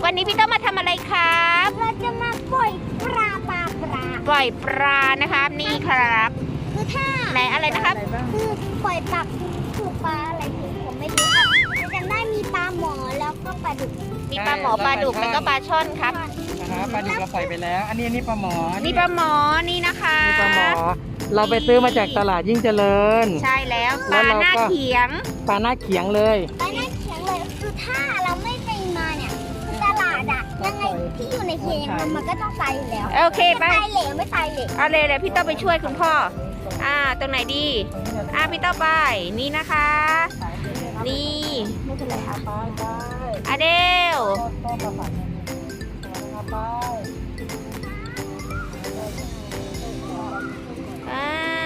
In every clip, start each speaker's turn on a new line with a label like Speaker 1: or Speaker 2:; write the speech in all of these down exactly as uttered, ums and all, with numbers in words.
Speaker 1: วันนี้พี่ต้องมาทำอะไรครับ
Speaker 2: เราจะมาปล่อยปลาปลาปลา
Speaker 1: ปล่อยปลานะครับนี่ครับ
Speaker 2: คือถ้า
Speaker 1: ไหนอะไรนะครับ
Speaker 2: คือปล่อยปลาคือปลาอะไรคือผมไม่รู้ครับจำได้มีปลาหมอแล้วก็ปลาดุก
Speaker 1: มีปลาหมอปลาดุกแล้วก็ปลาช่อนครับ
Speaker 3: นะครับปลาดุกเราปล่อยไปแล้ว อันนี้อันนี้ปลาหมอ
Speaker 1: นี่ปลาหมอนี่นะคะ
Speaker 3: นี่ปลาหมอ เราไปซื้อมาจากตลาดยิ่งเจริญ
Speaker 1: ใช่แล้วป
Speaker 3: แล้
Speaker 1: ลาว
Speaker 3: เราก็
Speaker 1: หน้าเขียง
Speaker 3: ปลาหน้าเขียงเลย
Speaker 2: ปลาหน้าเขียงเลยคือถ้าเราไม่ไปมาเนี่ยคือตลาดอะยังไงที่อยู่ในเคียงมันก็ต้องตายอยู่แล้ว
Speaker 1: โอเคไป
Speaker 2: ไม่ตายเหลวไม่ตายเหลว
Speaker 1: เอาเลยเลยพี่ต้องไปช่วยคุณพ่ออ่าตรงไหนดีอ่าพี่ต้องไปนี่นะคะ นี่
Speaker 3: ไม่เป็นไรอาไปไป
Speaker 1: อาเดล
Speaker 3: ต้นปลาฝันอาไป
Speaker 1: อ่า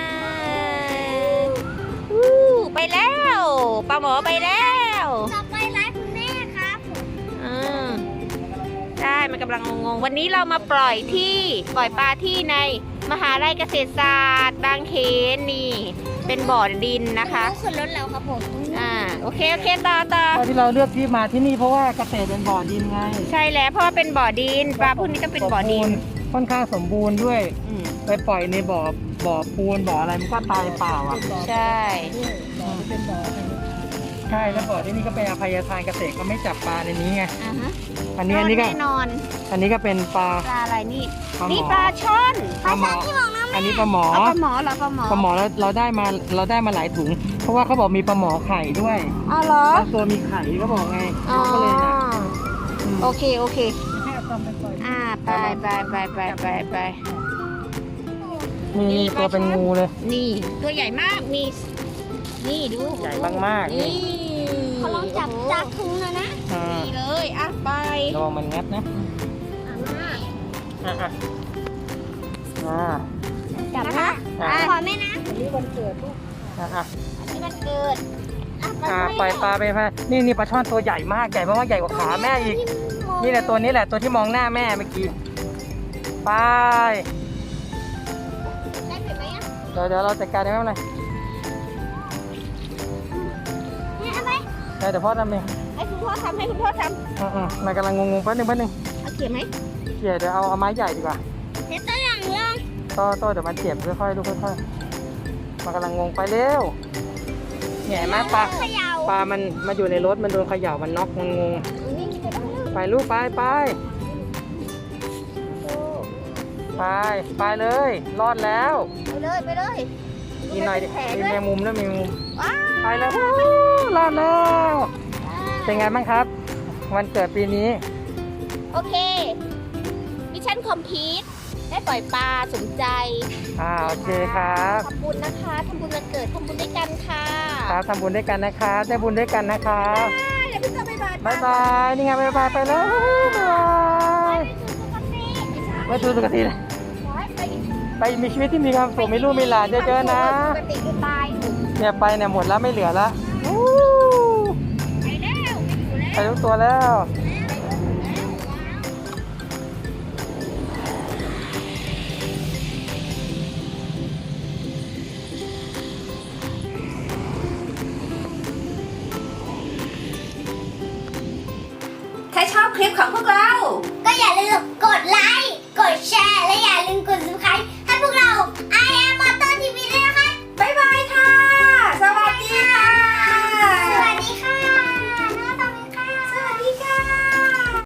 Speaker 1: อู้ไปแล้วปลาหมอไปแล้ว
Speaker 2: ต่อไปร้านคุณแม่ครับ
Speaker 1: อืมใช่มันกำลังงงๆวันนี้เรามาปล่อยที่ปล่อยปลาที่ในมหาลัยเกษตรศาสตร์บางเขนนี่ เป็นบ่อดินนะคะ
Speaker 2: ก็ขึ้นรถแล้วครับผม
Speaker 1: อ่าโอเคโอเคต่อต่อ
Speaker 3: ตอนที่เราเลือกที่มาที่นี่เพราะว่าเกษตรเป็นบ่อดินไง
Speaker 1: ใช่แล้วเพราะว่าเป็นบ่อดินปลาพวกนี้ต้องเป็นบ่อดิน
Speaker 3: ค่อนข้างสมบูรณ์ด้วย
Speaker 1: อืม
Speaker 3: ไปปล่อยในบ่อบ่อปูนบ่ออะไรมันก็ตายเปล่าอ่ะ
Speaker 1: ใช่
Speaker 3: ใช่แล้วบ่อที่นี่ก็เป็นอภัยทานเกษตรก็ไม่จับปลาในนี้ไง
Speaker 1: อ่าฮะ
Speaker 3: อันนี้อันนี้ก็
Speaker 1: แน่นอน
Speaker 3: อันนี้ก็เป็นปลา
Speaker 1: ปลาอะไรนี่
Speaker 3: ปลาหมอ
Speaker 1: นี่ปลาช่อน
Speaker 3: ปลาหมออันนี้ปลาหมอ
Speaker 1: เอาปลาหมอเหรอปลาหมอ
Speaker 3: ปลาหมอเราเราได้มาเราได้มาหลายถุง เพราะว่าเขาบอกมีปลาหมอไข่ด้วย
Speaker 1: อ๋อเหรอบ
Speaker 3: างตัวมีไข่ก็บอกไง
Speaker 1: อ๋อ
Speaker 3: ก็เลยนะม
Speaker 1: โอเคโอเค
Speaker 3: ให้เอาต้มไปปล่อย
Speaker 1: อ่าไปไปไปไปไปไป
Speaker 3: นี่นี่ตัวเป็นงูเลย
Speaker 1: นี่ตัวใหญ่มากนี่นี่ดู
Speaker 3: ใหญ่มากๆ
Speaker 1: นี่
Speaker 2: เขาลองจับจากถุงนะนะ
Speaker 3: อ่า
Speaker 1: นี่เลยอ่ะไประ
Speaker 3: วังมันงัดนะ
Speaker 1: อ่ะมา
Speaker 3: อ่ะอ่ะอ่า
Speaker 2: จับนะ
Speaker 3: อ่ะ
Speaker 2: ขอแม่นะ
Speaker 3: อ่ะอ่ะ
Speaker 2: อันนี้มันเกิด
Speaker 3: อ่าปล่อยปลาไปไปนี่นี่ปลาช่อนตัวใหญ่มากใหญ่มากๆใหญ่กว่าขาแม่อีก นี่แหละตัวนี้แหละตัวที่มองหน้าแม่เมื่อกี้ไป
Speaker 2: ได้เห็นไหมอ่ะ
Speaker 3: เดี๋ยวเดี๋ยวเราจัดการได้ไหมอะไร
Speaker 2: เนี่ยเอาไป
Speaker 3: เดี๋ยวเดี๋ยวพ่อทำเอง
Speaker 1: ให้คุณพ่อทำให้คุณพ่อท
Speaker 3: อืมอืมมันกำลังงงๆแป๊บนึงแป๊บนึง
Speaker 1: ำเอาเขียนไหม
Speaker 3: เขี่ยเดี๋ยวเอาเอาไม้ใหญ่ดีกว่า
Speaker 2: เดี๋ยวตัวอย่างลอง
Speaker 3: โต้โต้เดี๋ยวมันเจ็บค่อยๆลูกค่อยๆมันกำลังงงไปเร็วเนี่ยเห็นไหมปลา
Speaker 2: เขย่า
Speaker 3: ปลามันมาอยู่ในรถมันโดนเขย่ามันน็อกมันงง
Speaker 2: นี่จะต้องเลือก
Speaker 3: ไปลูกไปไปไปไปเลยรอดแล้ว
Speaker 1: ไปเลยไปเลย
Speaker 3: มีหน่อยดิ
Speaker 1: แผล
Speaker 3: มี
Speaker 1: ด้วย
Speaker 3: แมงมุมแล้วมีแมงมุม
Speaker 1: ว้าว
Speaker 3: ไปแล้วฮู้รอดแล้ว เป็นไงบ้างครับ วันเกิดปีนี้
Speaker 1: โอเคมิชชั่นคอมพลีทได้ปล่อยปลาสมใจ
Speaker 3: อ่าโอเคครับ
Speaker 1: ทำบุญนะคะทำบุญวันเกิดทำบุญด้วยกันค่ะ
Speaker 3: ครับทำบุญด้วยกันนะครับได้บุญด้วยกันนะครับ
Speaker 1: เดี๋ยวพี่จะไปบาย
Speaker 3: บายบายนี่ไงบายบายไปแล้วบายบายไม่ถูกปกติเลยไปมีชีวิตที่มีความสุขมีลูกมีหลานเยอะๆนะ
Speaker 1: ปกติคือตาย
Speaker 3: เนี่ยไปเนี่ยหมดแล้วไม่เหลือแล้วอู้
Speaker 1: ไปแล้วไปอยู่แล้ว
Speaker 3: ไปทุกตัวแล้ว
Speaker 1: ถ้าชอบคลิปของพวกเรา
Speaker 2: ก็อย่าลืมกดไลค์ กดแชร์ และอย่าลืมกด ซับสไครบ์